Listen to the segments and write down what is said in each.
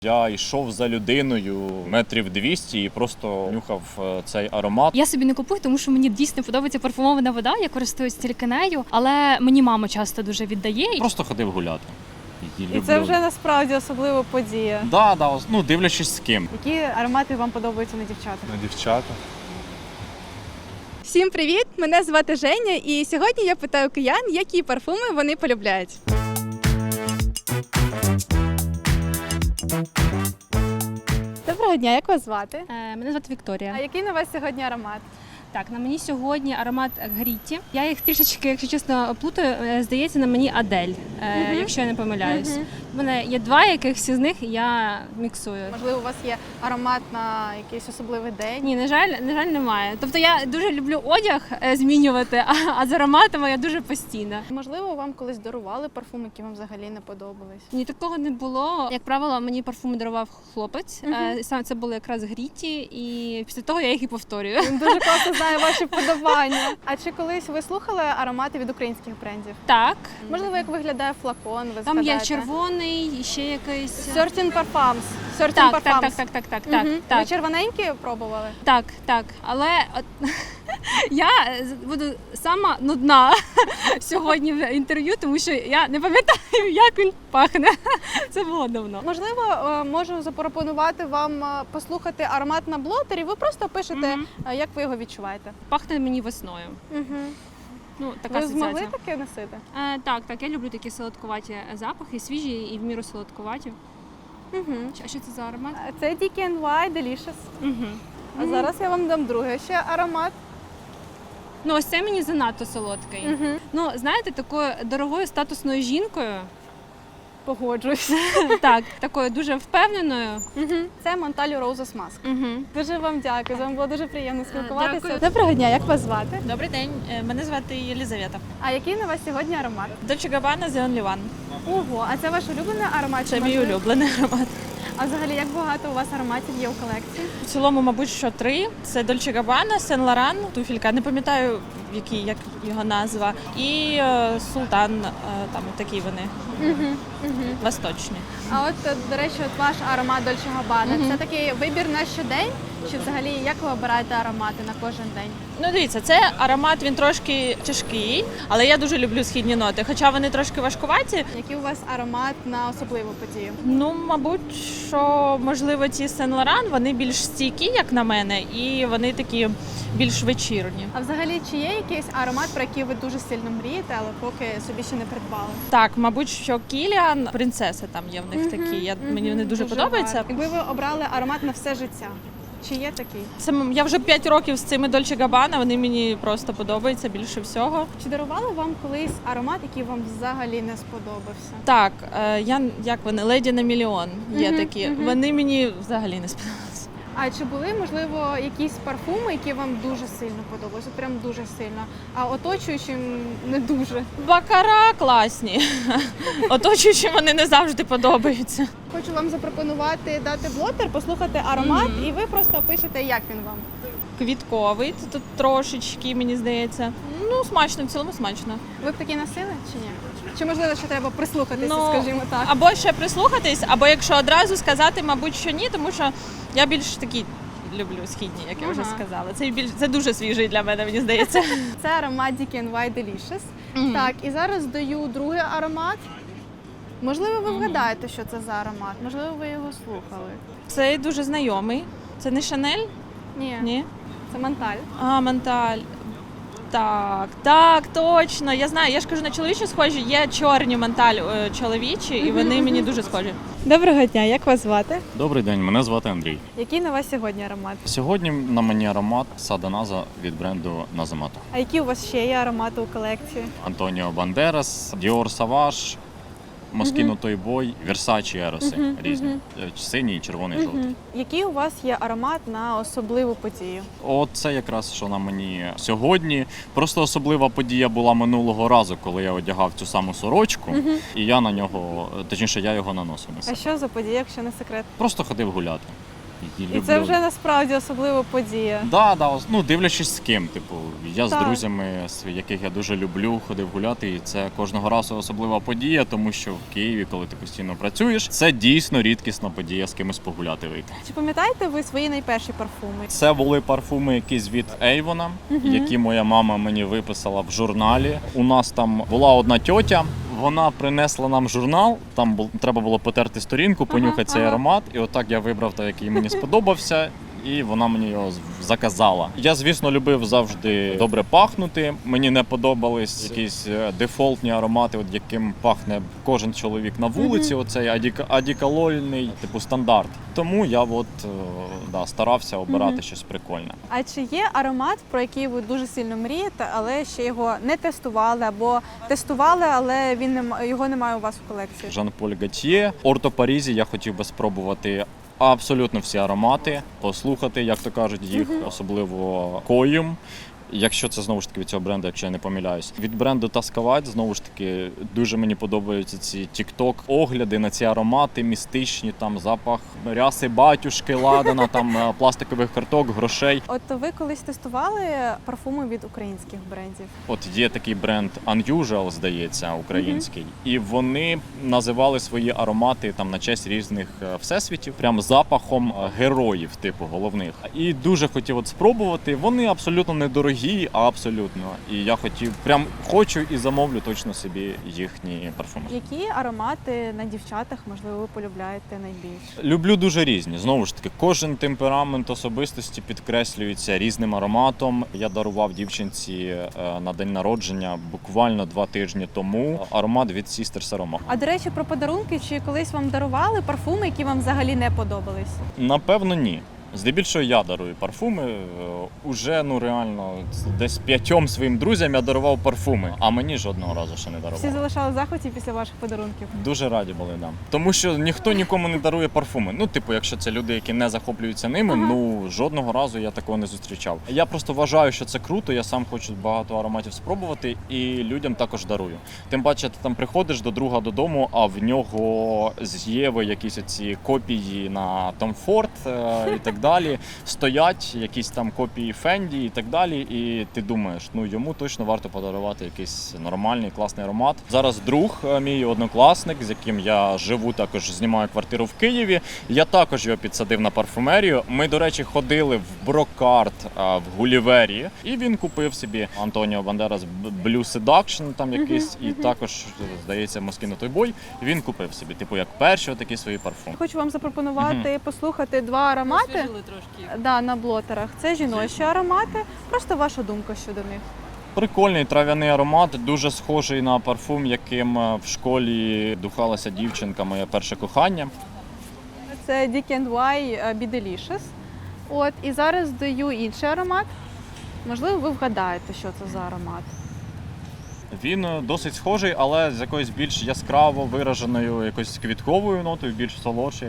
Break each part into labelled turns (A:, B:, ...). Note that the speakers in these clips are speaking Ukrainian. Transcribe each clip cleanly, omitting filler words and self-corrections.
A: Я йшов за людиною метрів 200 і просто нюхав цей аромат.
B: Я собі не купую, тому що мені дійсно подобається парфумована вода, я користуюсь тільки нею, але мені мама часто дуже віддає.
A: Просто ходив гуляти.
C: І це вже насправді особлива подія.
A: Да, ну дивлячись з ким.
C: Які аромати вам подобаються на дівчатах?
D: На дівчата.
E: Всім привіт! Мене звати Женя, і сьогодні я питаю киян, які парфуми вони полюбляють. Доброго дня, як вас звати?
B: Мене звати Вікторія.
C: А який на вас сьогодні аромат?
B: Так, на мені сьогодні аромат Гріті. Я їх трішечки, якщо чесно, плутаю. Здається, на мені Адель, якщо я не помиляюсь. У мене є два якихось з них, і я міксую.
C: Можливо, у вас є аромат на якийсь особливий день?
B: Ні, на жаль, немає. Тобто я дуже люблю одяг змінювати, а з ароматами я дуже постійна.
C: Можливо, вам колись дарували парфум, які вам взагалі не подобались?
B: Ні, такого не було. Як правило, мені парфуми дарував хлопець. Саме це були якраз Гріті, і після того я їх і повторюю.
C: Він дуже класно знає ваші вподобання. А чи колись ви слухали аромати від українських брендів?
B: Так.
C: Можливо, як виглядає флакон, ви
B: Там є
C: згадаєте?
B: червоний, і ще якийсь.
C: Certain Parfums. Certain
B: Так.
C: Ви червоненькі пробували?
B: Так. Але я буду сама нудна сьогодні в інтерв'ю, тому що я не пам'ятаю, як він пахне. Це було давно.
C: Можливо, можу запропонувати вам послухати аромат на блотері. Ви просто пишете, як ви його відчуваєте.
B: Пахне мені весною. Ну, така
C: Ви змогли
B: асоціація.
C: таке носити?
B: Так, я люблю такі солодкуваті запахи, свіжі і в міру солодкуваті. А що це за аромат?
C: Це DKNY Delicious. А зараз я вам дам другий ще аромат.
B: Ну, ось це мені занадто солодкий. Ну, знаєте, такою дорогою статусною жінкою,
C: Погоджуюсь.
B: так, такою дуже впевненою.
C: Це Montale Roses Mask. Дуже вам дякую. З вами було дуже приємно спілкуватися.
B: Дякую.
C: Доброго дня, як вас звати?
F: Добрий день, мене звати Єлізавета.
C: А який на вас сьогодні аромат?
F: Dolce Gabbana The Only One.
C: Ого, а це ваш улюблений аромат?
F: Це
C: Чи
F: мій
C: можливо-
F: улюблений аромат.
C: А взагалі, як багато у вас ароматів є у колекції?
F: В цілому, мабуть, що 3. Це Dolce Gabbana, Saint Laurent, туфелька, не пам'ятаю, як його назва, і Султан, там такі вони, восточні.
C: А от, до речі, от ваш аромат Dolce Gabbana, це такий вибір на щодень? Чи взагалі як ви обираєте аромати на кожен день?
F: Ну, дивіться, це аромат, він трошки тяжкий, але я дуже люблю східні ноти, хоча вони трошки важкуваті.
C: Який у вас аромат на особливу подію?
F: Ну, мабуть, що, можливо, ці Saint Laurent, вони більш стійкі, як на мене, і вони такі більш вечірні.
C: А взагалі, чи є якийсь аромат, про який ви дуже сильно мрієте, але поки собі ще не придбали?
F: Так, мабуть, що Кіліан, принцеси там є в них такі. Мені вони дуже подобаються.
C: гарно. Якби ви обрали аромат на все життя, чи є такий?
F: Я вже 5 років з цими Dolce Gabbana, вони мені просто подобаються більше всього.
C: Чи дарували вам колись аромат, який вам взагалі не сподобався?
F: Так, як вони, Леді на мільйон є такі. Вони мені взагалі не сподобалися.
C: А чи були, можливо, якісь парфуми, які вам дуже сильно подобалися? Прям дуже сильно, а оточуючим не дуже?
F: Бакара класні. Оточуючі вони не завжди подобаються.
C: Хочу вам запропонувати дати блотер, послухати аромат, і ви просто опишете, як він вам.
F: Квітковий, тут трошечки, мені здається. Ну, смачно, в цілому смачно.
C: Ви б такі носили чи ні? Чи можливо, ще треба прислухатися,
F: Ну,
C: скажімо так?
F: Або ще прислухатись, або якщо одразу сказати, мабуть, що ні, тому що я більш такі люблю східні, як я вже сказала. Це дуже свіжий для мене, мені здається.
C: Це аромат DKNY Delicious. Так, і зараз даю другий аромат. Можливо, ви вгадаєте, що це за аромат? Можливо, ви його слухали?
F: Цей дуже знайомий. Це не Шанель?
C: Ні,
F: Ні?
C: це Монталь.
F: А, Монталь. Так, точно. Я знаю, я ж кажу, на чоловічі схожі. Є чорні Монталь чоловічі, і вони мені дуже схожі.
C: Доброго дня, як вас звати?
A: Добрий день, мене звати Андрій.
C: Який на вас сьогодні аромат?
A: Сьогодні на мені аромат Саданаза від бренду Назамато.
C: А які у вас ще є аромати у колекції?
A: Антоніо Бандерас, Діор Саваш, Москіно Той Бой, Версачі Ероси різні. Синій, червоний, жовтий.
C: Який у вас є аромат на особливу подію?
A: От це якраз, що на мені сьогодні. Просто особлива подія була минулого разу, коли я одягав цю саму сорочку, і я на нього, точніше, я його наносив на
C: А
A: себе.
C: що за подія, якщо не секрет?
A: Просто ходив гуляти.
C: І це вже насправді особлива подія.
A: Ну, дивлячись з ким. Типу, я з
C: Так.
A: друзями, яких я дуже люблю, ходив гуляти, і це кожного разу особлива подія, тому що в Києві, коли ти постійно працюєш, це дійсно рідкісна подія з кимось погуляти вийти.
C: Чи пам'ятаєте ви свої найперші парфуми?
A: Це були парфуми якісь від Avon, які моя мама мені виписала в журналі. У нас там була одна тьотя, вона принесла нам журнал, там треба було потерти сторінку, понюхати цей аромат, і отак я вибрав той, який мені сподобався. І вона мені його заказала. Я, звісно, любив завжди добре пахнути. Мені не подобались якісь дефолтні аромати, от яким пахне кожен чоловік на вулиці. Оцей одеколонний, типу стандарт. Тому я старався обирати щось прикольне.
C: А чи є аромат, про який ви дуже сильно мрієте, але ще його не тестували, або тестували, але його немає у вас в колекції?
A: Жан-Поль Готьє. Орто Парізі я хотів би спробувати абсолютно всі аромати, послухати, як то кажуть, їх, особливо Коюм. Якщо це, знову ж таки, від цього бренду, якщо я не помиляюсь. Від бренду Таскавать, знову ж таки, дуже мені подобаються ці тік-ток-огляди на ці аромати містичні, там запах ряси батюшки, ладана, там пластикових карток, грошей.
C: От ви колись тестували парфуми від українських брендів?
A: От є такий бренд Unusual, здається, український, і вони називали свої аромати там на честь різних всесвітів, прям запахом героїв, типу, головних. І дуже хотів от спробувати. Вони абсолютно недорогі, абсолютно. І я хочу і замовлю точно собі їхні парфуми.
C: Які аромати на дівчатах, можливо, ви полюбляєте найбільше?
A: Люблю дуже різні. Знову ж таки, кожен темперамент особистості підкреслюється різним ароматом. Я дарував дівчинці на день народження буквально 2 тижні тому аромат від Sisters Aroma.
C: А до речі, про подарунки, чи колись вам дарували парфуми, які вам взагалі не подобались?
A: Напевно, ні. Здебільшого я дарую парфуми. Уже, реально, десь 5 своїм друзям я дарував парфуми, а мені жодного разу ще не
C: Всі
A: дарував.
C: залишали в захваті після ваших подарунків?
A: Дуже раді були, да. Тому що ніхто нікому не дарує парфуми. Якщо це люди, які не захоплюються ними, жодного разу я такого не зустрічав. Я просто вважаю, що це круто, я сам хочу багато ароматів спробувати і людям також дарую. Тим паче, ти там приходиш до друга додому, а в нього з Єви якісь оці копії на Tom Ford і так далі. Стоять якісь там копії Фенді і так далі, і ти думаєш, йому точно варто подарувати якийсь нормальний, класний аромат. Зараз друг, мій однокласник, з яким я живу, також знімаю квартиру в Києві. Я також його підсадив на парфумерію. Ми, до речі, ходили в Брокарт в Гулівері, і він купив собі Антоніо Бандерас Blue Seduction там якийсь, і також, здається, Moschino Toy. Він купив собі, як перші такі свої парфуми.
C: Хочу вам запропонувати послухати 2 аромати. Да, на блотерах. Це жіночі аромати. Просто ваша думка щодо них.
A: Прикольний трав'яний аромат, дуже схожий на парфум, яким в школі духалася дівчинка, моє перше кохання.
C: Це DKNY Be Delicious. І зараз даю інший аромат. Можливо, ви вгадаєте, що це за аромат.
A: Він досить схожий, але з якоюсь більш яскраво вираженою якоюсь квітковою нотою, більш солодший.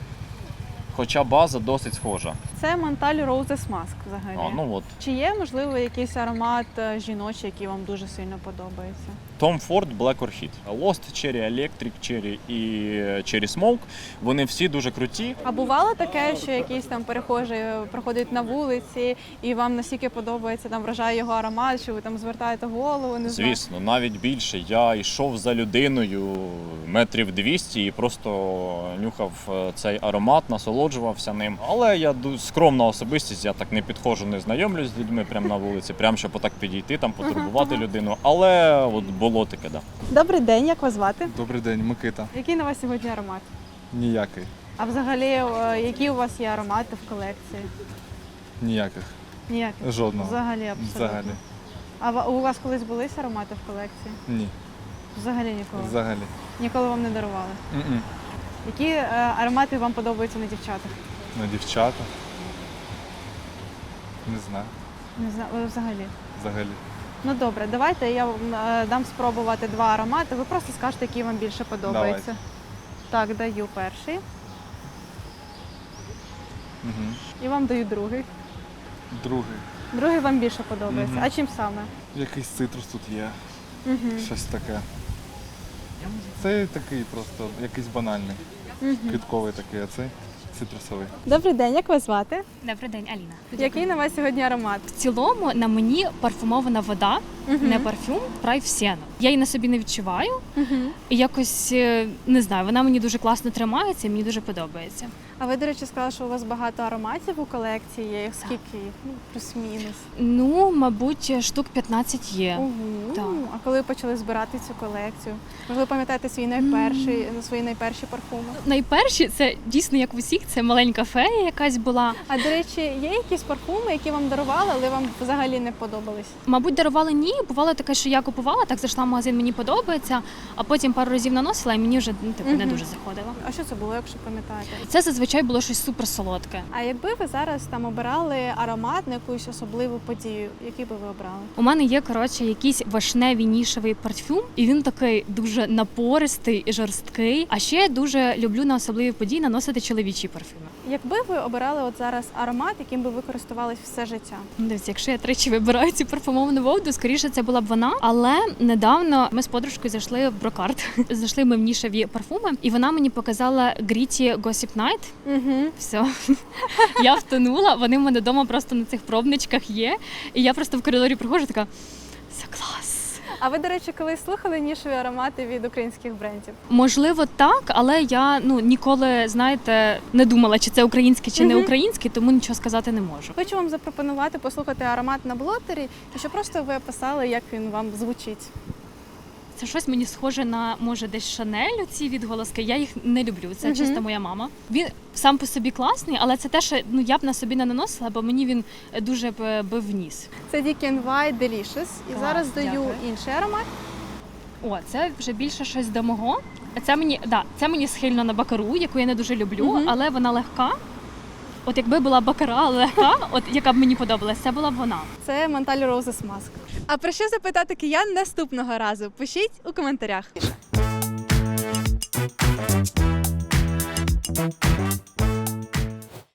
A: Хоча база досить схожа.
C: Це Montale Roses Mask взагалі. Чи є, можливо, якийсь аромат жіночий, який вам дуже сильно подобається?
A: Tom Ford Black Orchid. Lost Cherry, Electric Cherry і Cherry Smoke. Вони всі дуже круті.
C: А бувало таке, що якийсь там перехожий проходить на вулиці і вам настільки подобається, там вражає його аромат, що ви там звертаєте голову, не знаю?
A: Звісно, навіть більше. Я йшов за людиною метрів 200 і просто нюхав цей аромат, насолоджувався ним. Але я скромна особистість, я так не підходжу, не знайомлюсь з людьми прямо на вулиці, прямо щоб отак підійти, там потурбувати людину. Але було таке, да.
C: Добрий день, як вас звати?
D: Добрий день, Микита.
C: Який на вас сьогодні аромат?
D: Ніякий.
C: А взагалі, які у вас є аромати в колекції?
D: Ніяких.
C: Ніяких?
D: Жодного.
C: Взагалі, абсолютно?
D: Взагалі.
C: А у вас колись були аромати в колекції?
D: Ні.
C: Взагалі ніколи?
D: Взагалі.
C: Ніколи вам не дарували?
D: М-м.
C: Які аромати вам подобаються на дівчатах?
D: На дівчата? Не знаю.
C: Не знаю, взагалі.
D: Взагалі.
C: Ну добре, давайте я вам дам спробувати 2 аромати. Ви просто скажете, який вам більше подобається. Так, даю перший.
D: Угу.
C: І вам даю другий.
D: Другий.
C: Другий вам більше подобається.
D: Мгм.
C: А чим саме?
D: Якийсь цитрус тут є.
C: Угу.
D: Щось таке. Це такий просто, якийсь банальний.
C: Угу.
D: Квітковий такий, а цей цитрусовий.
C: Добрий день, як вас звати?
B: Добрий день, Аліна.
C: Який на вас сьогодні аромат?
B: В цілому на мені парфумована вода, не парфюм, Прайв Сіена. Я її на собі не відчуваю. І якось, не знаю, вона мені дуже класно тримається, і мені дуже подобається.
C: А ви, до речі, сказали, що у вас багато ароматів у колекції є. Їх скільки їх? Ну, плюс-мінус.
B: Ну, мабуть, штук 15 є. Так.
C: А коли ви почали збирати цю колекцію? Можливо, пам'ятаєте свої найперші парфуми?
B: Найперші, це дійсно як в усіх, це маленька фея якась була.
C: А до речі, є якісь парфуми, які вам дарували, але вам взагалі не подобались?
B: Мабуть, дарували ні. Бувало таке, що я купувала, так зайшла в магазин, мені подобається, а потім пару разів наносила, і мені вже не дуже заходило.
C: А що це було, якщо пам'ятаєте?
B: Це зазвичай було щось суперсолодке.
C: А якби ви зараз там обирали аромат на якусь особливу подію, який би ви обрали?
B: У мене є, якийсь вишневий нішевий парфюм, і він такий дуже напористий і жорсткий. А ще я дуже люблю на особливі події наносити чоловічі парфюми.
C: Якби ви обирали от зараз аромат, яким би ви користувались все життя?
B: Дивіться, якщо я тричі вибираю цю парфумовану воду, скоріше це була б вона. Але недавно ми з подружкою зайшли в Брокарт. Зайшли ми в нішеві парфуми, і вона мені показала Gritty Gossip Night. Все. Я втонула, вони в мене вдома просто на цих пробничках є. І я просто в коридорі приходжу, така, це клас.
C: А ви, до речі, колись слухали нішеві аромати від українських брендів?
B: Можливо, так, але я ніколи, знаєте, не думала, чи це українське, чи не українське, тому нічого сказати не можу.
C: Хочу вам запропонувати послухати аромат на блотері, і щоб просто ви описали, як він вам звучить.
B: Це щось мені схоже на, може, десь Шанель, ці відголоски. Я їх не люблю, це чисто моя мама. Він сам по собі класний, але це те, що я б на собі не наносила, бо мені він дуже бив в ніс.
C: Це DKNY Delicious. І зараз даю
B: дякую.
C: інший аромат.
B: О, це вже більше щось до мого. Це мені схильно на бакару, яку я не дуже люблю, але вона легка. От якби була бакара легка, от яка б мені подобалась, це була б вона.
C: Це Mentally Roses Mask.
E: А про що запитати киян наступного разу? Пишіть у коментарях.